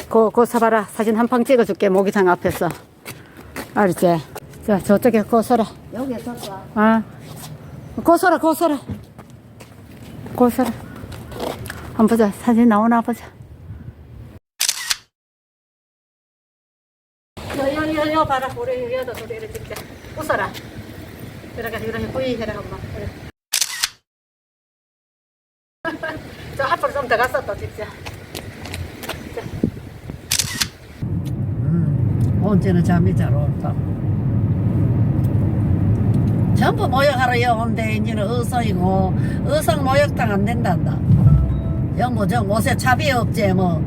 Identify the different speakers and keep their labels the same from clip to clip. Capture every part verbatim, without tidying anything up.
Speaker 1: 고, 고 서봐라. 사진 한 방 찍어줄게. 모기장 앞에서. 알았지? 자, 저쪽에 고 서라.
Speaker 2: 여기에 섰어.
Speaker 1: 아. 고 서라, 고 서라. 고 서라. 한번 보자. 사진 나오나 보자. 여, 여, 여, 여, 봐라. 우리 여도 소리를 찍자. 웃어라. 이렇게, 이렇게 후이 해라, 엄마. 그래. 저 앞으로 좀 더 가서 또 찍자.
Speaker 2: 음, 언제는 잠이 잘 온다. 전부 모욕하러 여온데 이제는 의성이고 의성 모욕당 안 된단다. 영뭐 저 옷에 차비 없지 뭐.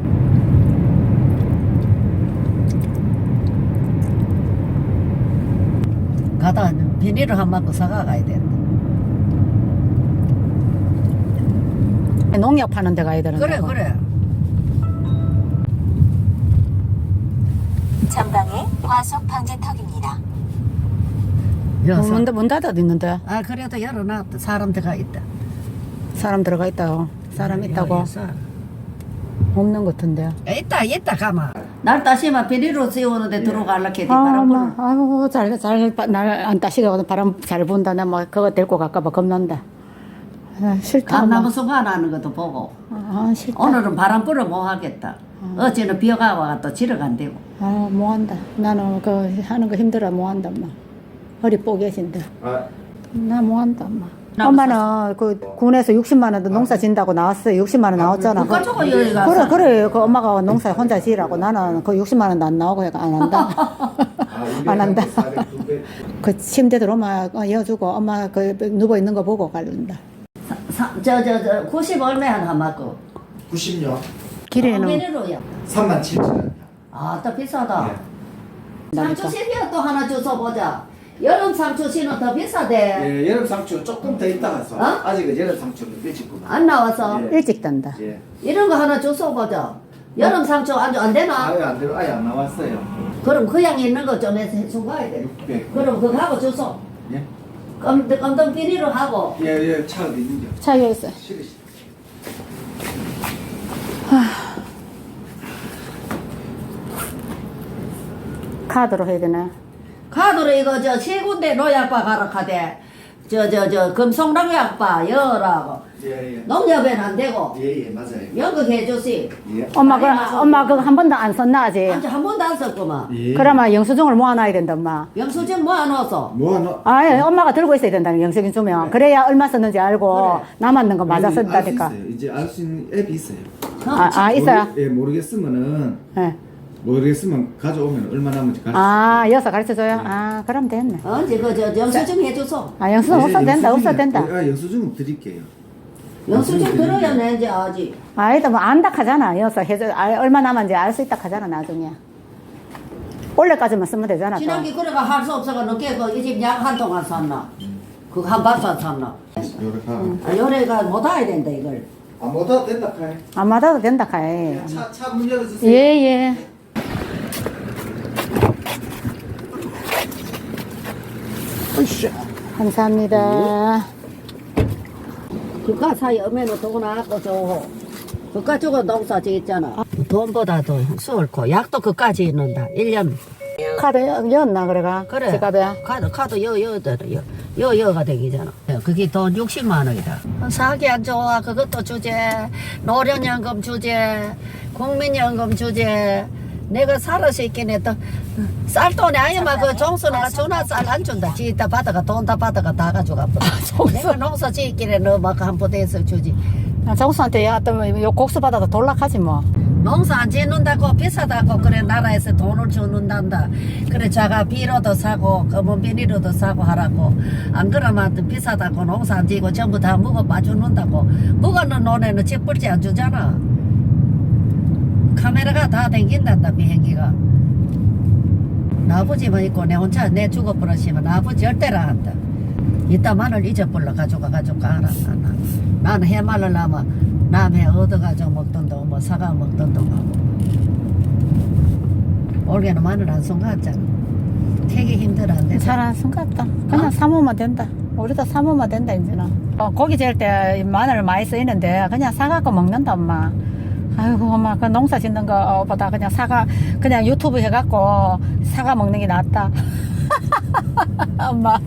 Speaker 2: 가다 비닐을 한 바퀴 사가 가야 된다.
Speaker 1: 농약 파는 데 가야 되는
Speaker 2: 그래
Speaker 1: 거고.
Speaker 2: 그래.
Speaker 3: 전방에 과속 방지턱입니다.
Speaker 1: 어, 문, 문 닫아 있는데
Speaker 2: 아 그래도 열어놨다. 사람 들어가 있다.
Speaker 1: 사람 들어가 있다고. 사람
Speaker 2: 여-
Speaker 1: 있다고.
Speaker 2: 여기 사람.
Speaker 1: 없는 것 같은데.
Speaker 2: 있다 있다 가마. 날 다시마 비닐로 씌우는데 들어가려고 해.
Speaker 1: 아,
Speaker 2: 바람 불.
Speaker 1: 엄마, 아이고, 잘, 잘, 날 안 따시게 바람 잘 분다. 나 뭐, 그거 데리고 갈까봐 겁난다. 아, 싫다. 엄마.
Speaker 2: 감나무 소가 나는 것도 보고.
Speaker 1: 아, 싫다.
Speaker 2: 오늘은 바람 불어 못 하겠다. 어제는 비가 와가 또 지러 간대고.
Speaker 1: 아, 뭐 한다. 나는 그 하는 거 힘들어, 뭐 한다, 엄마. 허리 뽀개진다.
Speaker 4: 아,
Speaker 1: 나 뭐 한다, 엄마.
Speaker 2: 나
Speaker 1: 엄마는 그 군에서 육십만 원도 농사 진다고 나왔어요. 육십만 원 나왔잖아.
Speaker 2: 누가
Speaker 1: 그-
Speaker 2: 저거 여기 가서.
Speaker 1: 그래, 그래. 그 엄마가 농사 혼자 지으라고. 나는 그 육십만 원도 안 나오고 해가 안 한다. 안 한다. 그 침대 들어오면 이어주고 엄마 그 누워 있는 거 보고 갈른다.
Speaker 2: 저저저 구십 얼마야 한 맞고.
Speaker 4: 구십요.
Speaker 1: 길에는
Speaker 2: 메리로야.
Speaker 4: 삼만 칠천 원.
Speaker 2: 아또 비싸다.
Speaker 4: 예.
Speaker 2: 상추 씨는 또 하나 주워 보자. 여름 상추 씨는 더 비싸대.
Speaker 4: 예, 여름 상추 조금 더 있다 가서
Speaker 2: 어?
Speaker 4: 아직은 여름 상추는 일찍구나.
Speaker 2: 안 나와서
Speaker 4: 예.
Speaker 1: 일찍 단다.
Speaker 4: 예.
Speaker 2: 이런 거 하나 주워 보자. 여름 상추 안, 안 되나?
Speaker 4: 아예 안 들어, 아예 안 나왔어요.
Speaker 2: 그럼 그 양이 있는 거 좀 해서 해준 가야 돼.
Speaker 4: 육백.
Speaker 2: 그럼 그거 하고 주소.
Speaker 4: 예.
Speaker 2: 검, 검정 비닐로 하고.
Speaker 4: 예, 예, 차 어디 있는겨?
Speaker 1: 차에 있어.
Speaker 4: 실으시.
Speaker 1: 카드로 해야 되나?
Speaker 2: 카드로 이거 저 세 군데 노약바 가라 카대. 저 저 저 금속농약바 여라고.
Speaker 4: 예, 예.
Speaker 2: 농협에는 안 되고
Speaker 4: 예, 예, 맞아요.
Speaker 2: 연극해 주시.
Speaker 4: 예.
Speaker 1: 엄마 그 엄마 그거 한 번도 안 썼나 아직?
Speaker 2: 아직 한 번도 안 썼구만.
Speaker 4: 예.
Speaker 1: 그러면 영수증을 모아놔야 된다 엄마.
Speaker 2: 영수증 모아놓았어.
Speaker 4: 뭐 하나?
Speaker 1: 아, 예, 엄마가 들고 있어야 된다는 영수증 주면 그래야 얼마 썼는지 알고
Speaker 2: 그래.
Speaker 1: 남았는 거 맞아 쓴다니까.
Speaker 4: 알수 있어요. 이제 알 수 있는 앱이 있어요.
Speaker 1: 아, 아 있어요.
Speaker 4: 모르, 예, 모르겠으면은
Speaker 1: 예.
Speaker 4: 모르겠으면 가져오면 얼마 남은지 가르쳐.
Speaker 1: 아, 여기서 가르쳐 줘요. 아, 그럼 됐네.
Speaker 2: 언제 그저 영수증 해줘서.
Speaker 1: 아, 영수증 없어도 된다. 없어도 된다.
Speaker 4: 아, 영수증 드릴게요.
Speaker 2: 영수증 들어야 내지 아직.
Speaker 1: 아이도 뭐 안다 하잖아. 여기서 해줘. 알, 얼마 남았는지 알 수 있다 하잖아 나중에. 올해까지만 쓰면 되잖아. 또.
Speaker 2: 지난기 그래가 할 수 없어가 늦게 그 이 집 약 한 통안 샀나. 그거 한 박스 샀나.
Speaker 4: 요렇게.
Speaker 2: 아, 요래가 못 와야 된다 이걸.
Speaker 4: 아, 못하도 된다 카이.
Speaker 1: 안 맞아도 된다 카이.
Speaker 4: 차, 차 문 열어주세요.
Speaker 1: 예, 예.
Speaker 4: 으쌰.
Speaker 1: 감사합니다.
Speaker 2: 그가 사이 엄에는 돈 나고 저거. 그가 저거 농사 지었잖아. 돈보다도 수월고 약도 그까지 있는다. 일 년.
Speaker 1: 카드 여- 였나 그래가?
Speaker 2: 그래.
Speaker 1: 지갑에.
Speaker 2: 카드 카드 여여대로 여 여여가 되기잖아. 그게 돈 육십만 원이다. 사기 안 좋아. 그것도 주제. 노령연금 주제. 국민연금 주제. 내가 살아서 있긴 했다. 쌀돈이 아니면 그 종수가 주나 쌀 안 준다. 지다 받아가 돈 다 받아가 다 가져가. 내가 농사 지기래 너막 한 포대에서 주지.
Speaker 1: 아, 정수한테 야, 또 요 곡수 받아도 돌락하지 뭐.
Speaker 2: 농사 안 짓는다고 비싸다고 그래 나라에서 돈을 주는단다. 그래 자가 비료도 사고 검은 비닐로도 사고 하라고. 안 그러면 비싸다고 농사 안 짓고 전부 다 묵어 봐주는다고. 묵어는 논에는 집불지 안 주잖아. 카메라가 다 댕긴단다 비행기가. 나 아버지만 있고 내 혼자 내 죽어버렸으면 나 아버지 절대로 한다. 이따 마늘 잊어버려 가져가 가져가 하라. 나는 해말르려면 남해 얻어가지고 먹던도 뭐 사과 먹던도 하고. 올해는 마늘 안 송갔잖아. 되게 힘들어 안 돼.
Speaker 1: 잘안 쓴갑다. 그냥
Speaker 2: 어?
Speaker 1: 사모만 된다. 우리도 사모만 된다 이제는. 어, 고기 재울 때 마늘 많이 쓰이는데 그냥 사갖고 먹는다 엄마. 아이고 엄마 그 농사 짓는 거보다 그냥 사과 그냥 유튜브 해갖고 사과 먹는 게 낫다. 엄마.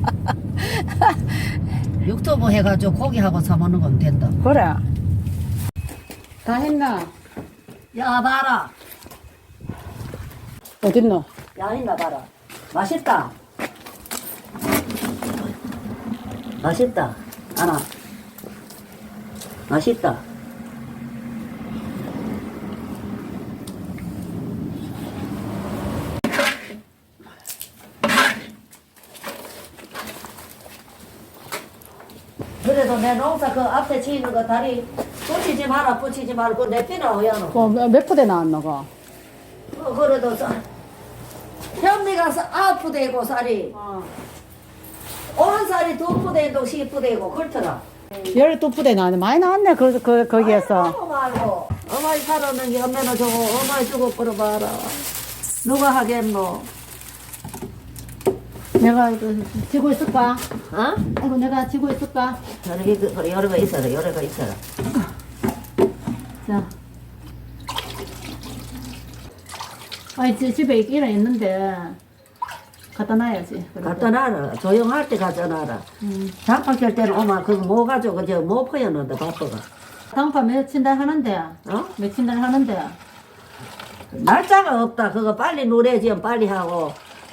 Speaker 2: 유튜브 해가지고 고기하고 사 먹는 건 된다.
Speaker 1: 그래. 다 했나?
Speaker 2: 야 봐라.
Speaker 1: 어딨노?
Speaker 2: 야 있나 봐라. 맛있다. 맛있다. 하나. 맛있다. 그래도 내 농사 그 앞에 치는 거 다리 붙이지 마라 붙이지 말고 내 피나 오야노.
Speaker 1: 그 몇 푸대 나왔노 그?
Speaker 2: 어, 그래도 쌀. 현미가 사- 아홉 푸대고 쌀이 오른살이 두 푸대고 십 푸대고 그렇더라.
Speaker 1: 열두 푸대 나왔네. 많이 나왔네 그, 그, 거기에서.
Speaker 2: 아이고 말고 어머니 살았는 게 엄마는 저거 어머니 주고 끌어봐라. 누가 하겠노?
Speaker 1: 내가 그, 지고 있을까?
Speaker 2: 어?
Speaker 1: 아이고 내가 지고 있을까?
Speaker 2: 저렇게 그, 그래 여러 거 있어라 여러 거 있어라.
Speaker 1: 자. 아이 지- 집에 있기는 있는데 갖다 놔야지. 그래도.
Speaker 2: 갖다 놔라. 조용할 때 갖다 놔라.
Speaker 1: 음.
Speaker 2: 장판 켤 때는 엄마 그거 뭐 가지고 저뭐 퍼였는데 바빠가.
Speaker 1: 당파 며칠 날 하는데.
Speaker 2: 어?
Speaker 1: 며칠 날 하는데.
Speaker 2: 날짜가 없다. 그거 빨리 노래지면 빨리 하고.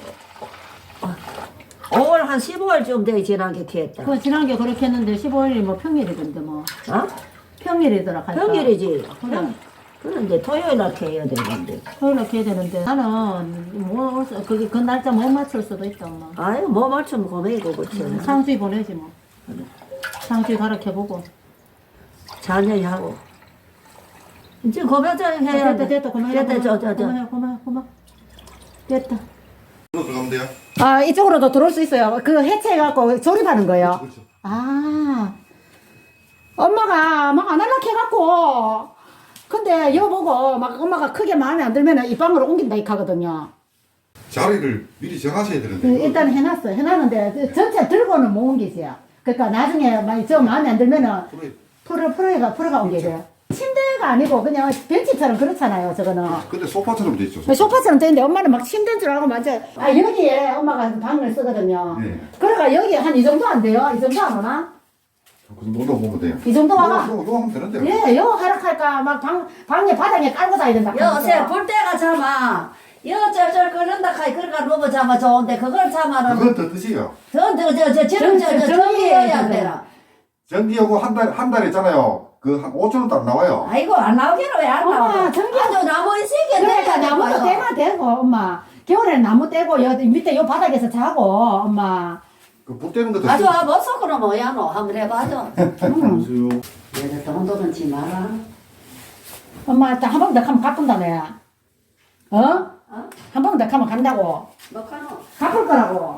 Speaker 2: 오월 한 십오월쯤 돼 지난 게 했다.
Speaker 1: 그 지난 게 그렇게 했는데 십오일이 뭐 평일이던데 뭐.
Speaker 2: 어?
Speaker 1: 평일이더라. 갈까?
Speaker 2: 평일이지.
Speaker 1: 그래.
Speaker 2: 그런데 토요일 날 해야 되는데.
Speaker 1: 토요일 날 해야 되는데 나는 뭐 그게 그 날짜 못 맞출 수도 있다 엄마.
Speaker 2: 아유 뭐 맞추면 고메이고 그치.
Speaker 1: 상주에 보내지 뭐. 상주에 가르쳐보고.
Speaker 2: 자녀이 하고. 이제 고배장 해야
Speaker 1: 됐다
Speaker 2: 돼.
Speaker 1: 됐다 그만해.
Speaker 2: 됐다 저저 저.
Speaker 1: 그만해 그만해 그만. 됐다.
Speaker 4: 이거 들어가면 돼요?
Speaker 1: 아 이쪽으로도 들어올 수 있어요. 그 해체해갖고 조립하는 거예요.
Speaker 4: 그렇죠.
Speaker 1: 아 엄마가 막 안 할라 해갖고 근데 여보고 막 엄마가 크게 마음에 안 들면 이 방으로 옮긴다 이렇게 하거든요.
Speaker 4: 자리를 미리 정하셔야
Speaker 1: 그
Speaker 4: 되는데.
Speaker 1: 일단 해놨어. 해놨는데 전체 들고는 못 옮기세요. 그러니까 나중에 만약 저 마음에 안 들면은
Speaker 4: 그래.
Speaker 1: 프로 프로가 프로가 옮겨져요. 침대가 아니고 그냥 벤치처럼 그렇잖아요. 저거는.
Speaker 4: 근데 소파처럼 돼 있죠.
Speaker 1: 소파처럼 되는데 엄마는 막 침대인 줄 알고 완전 아 여기에 엄마가 방을 쓰거든요.
Speaker 4: 네.
Speaker 1: 그러니까 여기 한 이 정도 안 돼요? 이 정도 안 오나?
Speaker 4: 그 정도 보면 돼요.
Speaker 1: 이 정도 와가?
Speaker 4: 요거, 요거 하면 되는데요.
Speaker 1: 예, 요 하락할까 막 방, 방에 바닥에 깔고 다야 된다.
Speaker 2: 여세 볼 때가 참아. 여 쩔쩔 끓는다 카이 그러니까 누구 참아 좋은데 그걸 참아는
Speaker 4: 그건 더 뜻이에요.
Speaker 2: 저저저 지금 저저 전기여야 안 되나?
Speaker 4: 전기 요거 한 달, 한 달 있잖아요. 그 한 오천 원도 안 나와요.
Speaker 2: 아이고 안 나오기는 왜 안 나와?
Speaker 1: 엄마, 전기-
Speaker 2: 아주 나무 인생이
Speaker 1: 그러니까 나무도 떼면 되고 엄마. 겨울에는 나무 떼고 여 밑에 요 바닥에서 자고 엄마.
Speaker 4: 그 불 때는 것도.
Speaker 2: 아주 못 속으로 뭐야 너 한번 해봐줘.
Speaker 4: 잠시요.
Speaker 2: 얘들 돈도 지 마라.
Speaker 1: 엄마 한 번 더 하면 갚은다며. 어?
Speaker 2: 어?
Speaker 1: 한 번 더 하면 간다고.
Speaker 2: 뭐 카노?
Speaker 1: 갚을 거라고.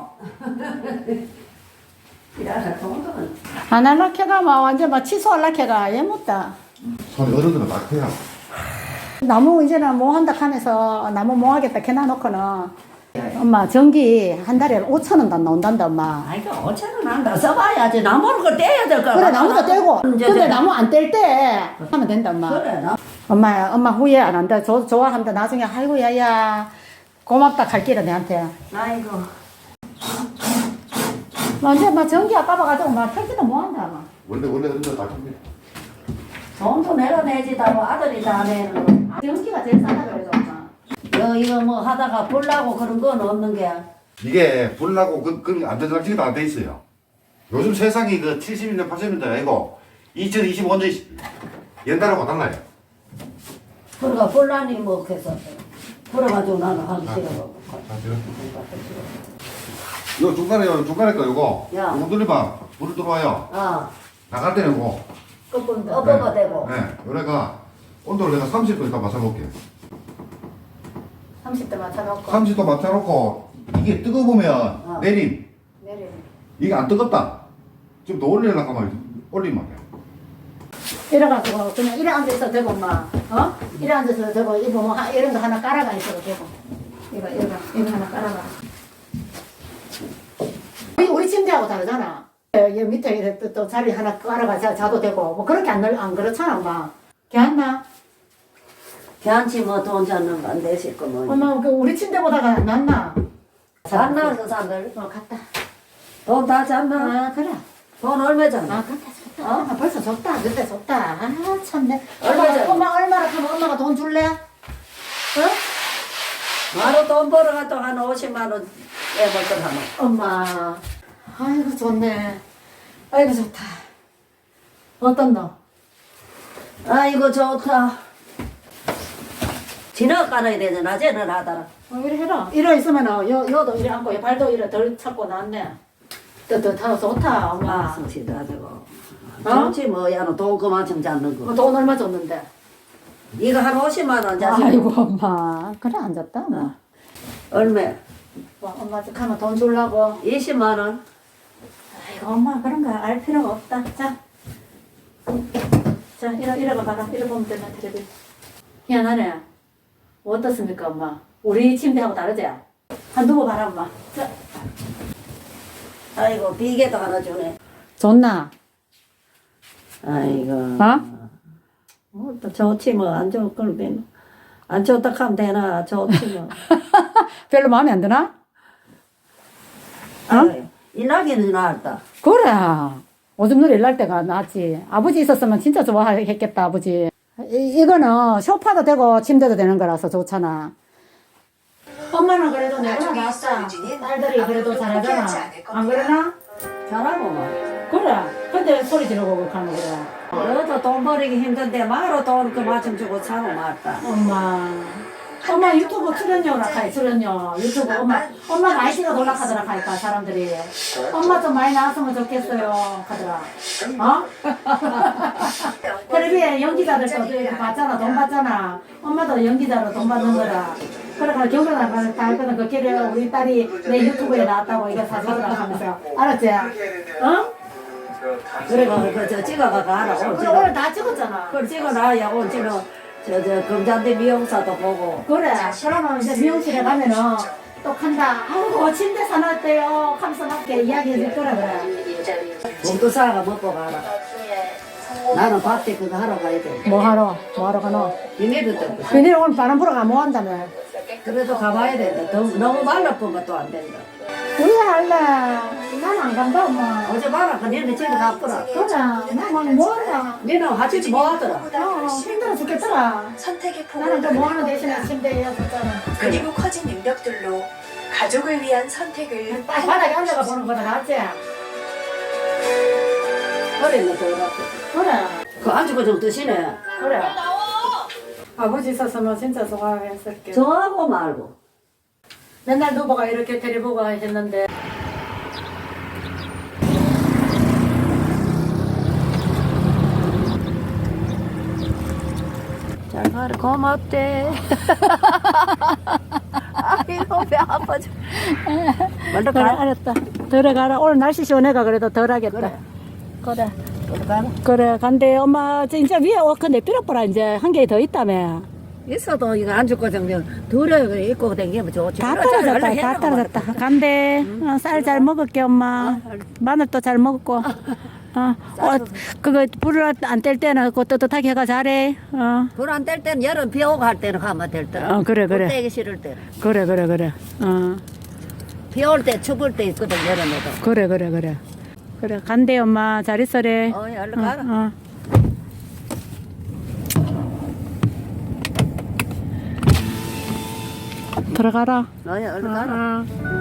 Speaker 2: 이라라 돈도
Speaker 1: 안 할라 캐가 막 완전 막 취소할라 캐가 얘 못다.
Speaker 4: 손 어른들은 낙해야.
Speaker 1: 나무 이제는 뭐 한다 하면서 나무 뭐 하겠다 캐놔 놓고는 엄마 전기 한 달에 오천 원도 안 나온단다 엄마.
Speaker 2: 아이고 오천 원 한다 써봐야지 나무를 그 떼야 될 거야.
Speaker 1: 그래 나무도 떼고
Speaker 2: 이제
Speaker 1: 근데
Speaker 2: 이제
Speaker 1: 나무 안 뗄 때 하면 된다 엄마.
Speaker 2: 그래 나.
Speaker 1: 엄마 엄마 후회 안 한다. 조, 좋아한다. 나중에 아이고 야야 고맙다 갈 길은 내한테.
Speaker 2: 아이고.
Speaker 1: 완전 막 전기 아까봐가지고 막 펴지도 못 한다 막.
Speaker 4: 원래 원래 어른들 다 큽니다.
Speaker 2: 돈도 내가 내지 다뭐 아들이 다 내는 거.
Speaker 1: 전기가 제일 싸다 그래도 엄마.
Speaker 2: 여 이거 뭐 하다가 불나고 그런 건 없는 게.
Speaker 4: 이게 불나고 그, 그 안전장치가 다 돼 있어요. 요즘 세상이 그 칠십 년, 팔십 년대 아니고 이천이십오 년 옛날하고 달라요.
Speaker 2: 그러니까 불나니 뭐 해서 불어가지고 나는 하기 싫어.
Speaker 4: 요 중간에 요 중간에 거 요거
Speaker 2: 야.
Speaker 4: 요거 돌리면 불 들어와요.
Speaker 2: 아,
Speaker 4: 나갈 때는 요거.
Speaker 2: 엎어가 되고.
Speaker 4: 네. 요래가 온도를 내가 삼십 도 일단 맞춰볼게요.
Speaker 1: 삼십 대 맞춰놓고.
Speaker 4: 삼십 도 맞춰놓고 이게 뜨거우면
Speaker 2: 어.
Speaker 4: 내림.
Speaker 1: 내리네.
Speaker 4: 이게 안 뜨겁다. 좀 더 올리려고 하면 올리면 돼요.
Speaker 1: 이래가지고 그냥 이래 앉아있어도 되고 엄마. 어? 이래 앉아서 되고 이거 뭐 하- 이런 거 하나 깔아가 있어도 되고. 이거 이거 이거 하나 깔아가. 우리, 우리 침대하고 다르잖아. 여기 밑에 이렇게 또, 또 자리 하나 깔아가 자, 자도 되고 뭐 그렇게 안, 늘- 안 그렇잖아 엄마. 괜찮나?
Speaker 2: 걔한테 뭐돈 잡는 거 안 되실 거면.
Speaker 1: 엄마 그 우리 침대보다가 낫나?
Speaker 2: 잤나 그 사람들?
Speaker 1: 어 갔다.
Speaker 2: 돈 다 잤나?
Speaker 1: 아 그래.
Speaker 2: 돈 얼마
Speaker 1: 아
Speaker 2: 잤나?
Speaker 1: 갔다 줬다. 어? 아, 벌써 줬다. 그때 줬다. 아 참네.
Speaker 2: 얼마
Speaker 1: 엄마,
Speaker 2: 전?
Speaker 1: 엄마 얼마나 하면 엄마가 돈 줄래? 어?
Speaker 2: 바로 돈 벌어가도 한 오십만 원 애벌 걸 하면.
Speaker 1: 엄마. 아이고 좋네. 아이고 좋다. 어떤 너?
Speaker 2: 아이고 좋다. 지나가 깔아야 되잖아. 낮에는 하더라.
Speaker 1: 어, 이래 해라. 이래 있으면은 여, 여도 이래 앉고 여 발도 이래 덜 찾고 낫네. 뜨뜻하고 좋다 엄마.
Speaker 2: 아, 성실도 하자고.
Speaker 1: 어?
Speaker 2: 좋지 뭐, 야, 너돈 그만큼 잡는
Speaker 1: 뭐
Speaker 2: 거.
Speaker 1: 돈 얼마 줬는데?
Speaker 2: 이거 한 오십만 원 자식.
Speaker 1: 아이고 엄마. 그래 앉았다 뭐.
Speaker 2: 얼마?
Speaker 1: 와, 엄마 저 가면 돈 주려고.
Speaker 2: 이십만 원.
Speaker 1: 아이고 엄마 그런 거 알 필요가 없다. 자. 자 이러 이러가 봐라. 이러 보면 되나 텔레비. 희한하네. 어떻습니까 엄마? 우리 침대하고 다르지? 한 두고 봐라 엄마. 자.
Speaker 2: 아이고, 비계도 하나 주네.
Speaker 1: 좋나?
Speaker 2: 아이고.
Speaker 1: 어?
Speaker 2: 뭐, 또 좋지 뭐, 안 좋을 걸 면. 안 좋다 하면 되나, 좋지 뭐.
Speaker 1: 별로 마음에 안 드나?
Speaker 2: 어? 일하기는 나았다.
Speaker 1: 그래. 오줌 누리 일날 때가 낫지. 아버지 있었으면 진짜 좋아했겠다, 아버지. 이, 이거는 소파도 되고 침대도 되는 거라서 좋잖아. 엄마는 그래도 내가 낫다. 딸들이 그래도 잘하잖아. 안 그러나?
Speaker 2: 잘하고 뭐.
Speaker 1: 그래. 근데 소리 지르고 그렇게 하는 거야.
Speaker 2: 너도 돈 벌이기 힘든데, 마로 돈 그만큼 주고 사고 말다.
Speaker 1: 엄마. 엄마 유튜브 출연료라 카이 출연료 유튜브 엄마 엄마 많이 찍어 놀라카더라 카이까 사람들이 엄마 좀 많이 나왔으면 좋겠어요 카더라 어? 텔레비에 연기자들도 이렇게 받잖아 돈 받잖아 엄마도 연기자로 돈 받는 거라 그러니까 경찰 나가는 다 했거든 그 길에 우리 딸이 내 유튜브에 나왔다고 이거 사주더라 하면서 알았지? 어?
Speaker 2: 그래가, 그, 저, 찍어가 가라. 오늘
Speaker 1: 그래
Speaker 2: 찍어.
Speaker 1: 오늘 다 찍었잖아
Speaker 2: 그걸 찍어놔야 오늘 찍어. 저, 저, 금잔대 미용사도 보고.
Speaker 1: 그래. 그러면 이제 미용실에 가면은 또 간다. 아이고 침대 사놨대요. 하면서 막 이렇게 이야기해 줄 거라 그래.
Speaker 2: 몸도 사가 먹고 가라. 나는 밭에 그거 하러 가야 돼.
Speaker 1: 뭐 하러? 뭐 하러 가노?
Speaker 2: 비닐도 뜯고.
Speaker 1: 비닐 오늘 바람 불어가 뭐 한다며?
Speaker 2: 그래도 가봐야 된다. 너무, 너무 말라보면 또 안 된다.
Speaker 1: 우리 할래. 난 안 간다 엄마.
Speaker 2: 어제 봐라. 그 니네 집에 가보라.
Speaker 1: 그래. 나뭐 한다.
Speaker 2: 니는 하지 뭐 하더라.
Speaker 1: 어 힘들어 죽겠더라.
Speaker 3: 선택의
Speaker 1: 나는
Speaker 3: 폭을
Speaker 1: 또뭐 하는 대신에 침대에 줬잖아.
Speaker 3: 그리고 커진 능력들로 가족을 위한 선택을
Speaker 1: 딱 바닥에 앉아가 보는 거다 낫지?
Speaker 2: 허리는 더 아프.
Speaker 1: 그래.
Speaker 2: 그 안주고 좀 드시네.
Speaker 1: 그래. 아버지 있었으면 진짜 좋아했을게.
Speaker 2: 좋아하고 말고.
Speaker 1: 맨날 누보가 이렇게 데려보고 했는데
Speaker 2: 잘 가라. 고맙대. 아이고, 배 아파. 먼저
Speaker 1: 그래
Speaker 2: 가라.
Speaker 1: 알았다 들어가라 오늘 날씨 시원해가 그래도 덜 하겠다
Speaker 2: 그래.
Speaker 1: 그래
Speaker 2: 먼저 가라.
Speaker 1: 그래 간대 엄마 진짜 위에 어 근데 삐럭보라 이제 한 개 더 있다며
Speaker 2: 있어도 이거 안 죽고 정면 둘에 그래 입고 댕기면 좋지.
Speaker 1: 다 떨어졌다 다 떨어졌다 간대 어, 쌀 잘 먹을게 엄마 마늘도 잘 먹고 어, 어 그거 불을 안 뗄 때는 그 뜨뜻하게 해가 잘해 어,
Speaker 2: 불안 뗄 때는 여름 비 오고 할 때는 가면 될 때.
Speaker 1: 어 그래 그래
Speaker 2: 떼기 싫을 때.
Speaker 1: 그래 그래 그래 어
Speaker 2: 비 올 때 추울 때 있거든 여름에도.
Speaker 1: 그래 그래 그래 그래 간대 엄마 잘 있어래
Speaker 2: 어, 얼른 가라.
Speaker 1: 어. 들어가라.
Speaker 2: 어, 얼른 가라.
Speaker 1: 어.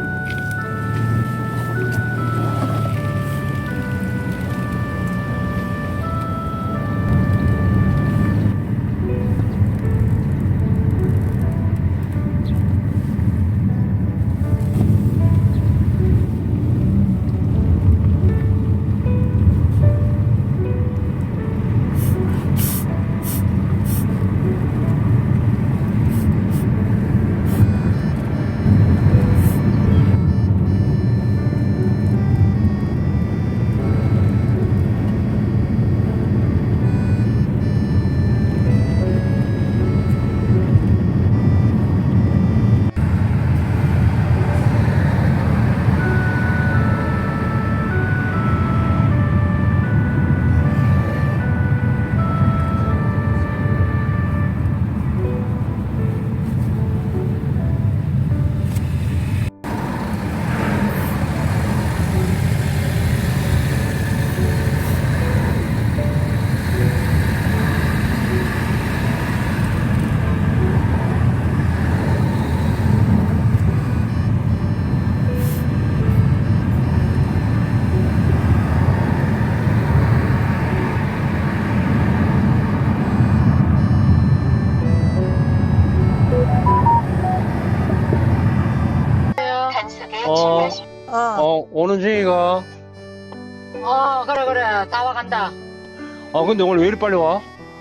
Speaker 5: 어,
Speaker 1: 어,
Speaker 5: 어, 오는 중이가.
Speaker 1: 어, 그래, 그래. 다 와간다.
Speaker 5: 아, 근데 오늘 왜 이리 빨리 와?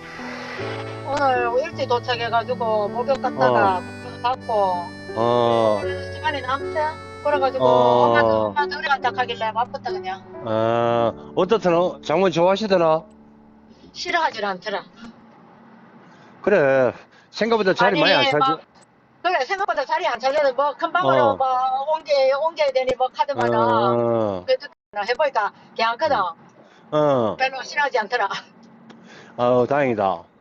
Speaker 1: 오늘 일찍 도착해가지고 목욕 갔다가 목욕 받고
Speaker 5: 어,
Speaker 1: 시간이 남대. 그래가지고
Speaker 5: 어.
Speaker 1: 엄마도 엄마도 우리 간다 하길래 바쁘다 그냥.
Speaker 5: 아, 어떻더나? 장모님 좋아하시더나?
Speaker 1: 싫어하질 않더라.
Speaker 5: 그래. 생각보다 자리 많이 안
Speaker 1: 아니,
Speaker 5: 차지.
Speaker 1: 막, 그래, 생각보다 자리 안 차려도 뭐, 금방으로
Speaker 5: 어.
Speaker 1: 뭐, 옮겨, 옮겨야 되니 뭐, 카드만은.
Speaker 5: 어,
Speaker 1: 그래도 해보니까 괜찮거든.
Speaker 5: 어.
Speaker 1: 별로 싫어하지 않더라.
Speaker 5: 아우, 다행이다.